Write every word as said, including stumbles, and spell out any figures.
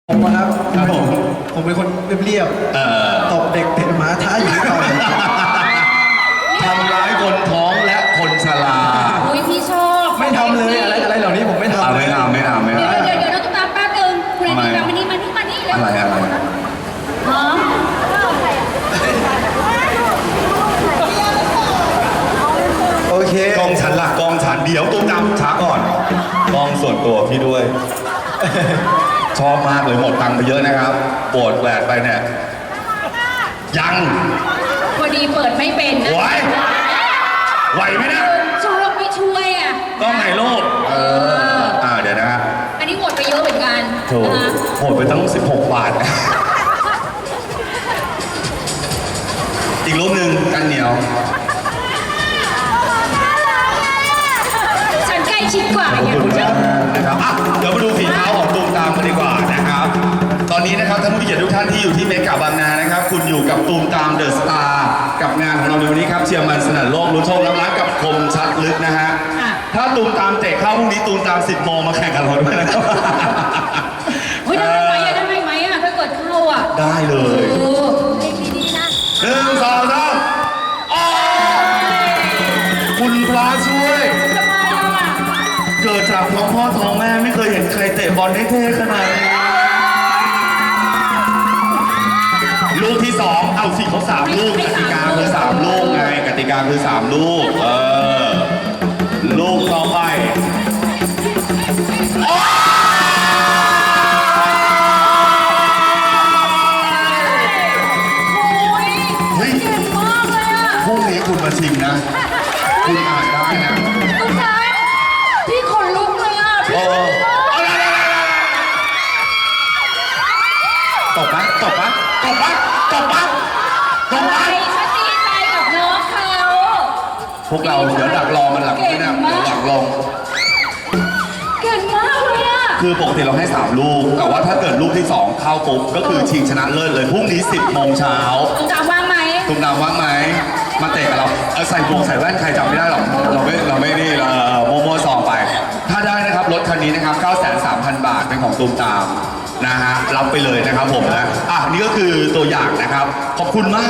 ผมนะครับครับผมผมเป็นคนเรียบเอ่อๆตบเด็กเตะหมาท้าหญิงต่อยทำร้ายคนท้องและคนชราอุ้ยพี่ชอบไม่ทำเลยอะไรอะไรเหล่านี้ผมไม่อ่าทำไม่ทำไม่ทำไม่เดี๋ยวทำเดี๋ยวเดี๋ยวเราต้องตามแป๊บนึงคุณไอ้ทำไมนี่มานี่มานี่มานี่เร็วอะไรอะไรฮะโอเคกองฉันหลักกองฉันเดี๋ยวตุ้มตามช้าก่อนกองส่วนตัวพี่ด้วย ชอบมากเลยหมดตังค์ไปเยอะนะครับปวดแหวกไปเนี่ยยังพอดีเปิดไม่เป็นนะไหวไหวไหมนะชอบไม่ช่วยอ่ะกล้องไหนโลกเอออ่าเดี๋ยวนะฮะอันนี้หมดไปเยอะเหมือนกันโถนะคะหมดไปตั้งสิบหกบาท อีกรูปหนึ่งกันเหนียวฉันใกล้ชิดกว่าขอบไงคุณครับนะครับอ่ะเดี๋ยวมาดูฝีเท้าของตูมตามกันดีกว่านะครับ ตอนนี้นะครับท่านผู้เกียรติทุกท่านที่อยู่ที่เมกะบางนานะครับ คุณอยู่กับตูมตามเดอะสตาร์กับงานของเราในวันนี้ครับเชียร์มันสนั่นโลกลุ้นโชครับรักกับคมชัดลึกนะฮะ ถ้าตูมตามเตะเข้าพรุ่งนี้ตูมตามสิบโมงมาแข่งกันเราด้วยนะครับเฮ้ยได้ไหมอ่ะได้ไหมอ่ะถ้าเกิดเข้าอ่ะได้เลเอย อเล่นดีๆนะหนึ่งสองสามอ้าวคุณพระช่วยทำไมอ่ะเกิดจากท้องพ่อท้องแม่ไม่เคยเห็นใครเตะบอลได้เท่ขนาดนี้ลูกที่สองเอาสิเขาสามลูกกติกาคือสามลูกไงกติกาคือสามลูกเออลูกต่อไปโอ๊ยโอ้ยเฮ้ยเก่งมากเลยอ่ะพรุ่งนี้คุณมาชิงนะ คุณอ่านได้นะตุ๊กตาพี่ขนลุกเลยอ่ะพี่เออเอาละตบปะตบปะตบปะตบปะตบอะไรปะฉันดีใจกับน้องเขาพวกเราเดี๋ยวดักรอมันหลังนี่นะเดี๋ยวหลังลงเก่งมากเลยอ่ะคือปกติเราให้สามลูก แต่ว่าถ้าเกิดลูกที่สองเข้าปุ๊บก็คือชิงชนะเลิศเลยพรุ่งนี้สิบโมงเช้าตุ๊กตาว่างไหมตุ้มดำว่างไหมมาเตะกับเราเออใส่วงใส่แว่นใครจำไม่ได้หรอกเราไม่เราไม่นี่เราโมโมซองไป ถ้าได้นะครับรถคันนี้นะครับ เก้าแสนสามพัน บาทเป็นของตูมตามนะฮะรับไปเลยนะครับผมนะอ่ะนี่ก็คือตัวอย่างนะครับ ขอบคุณมาก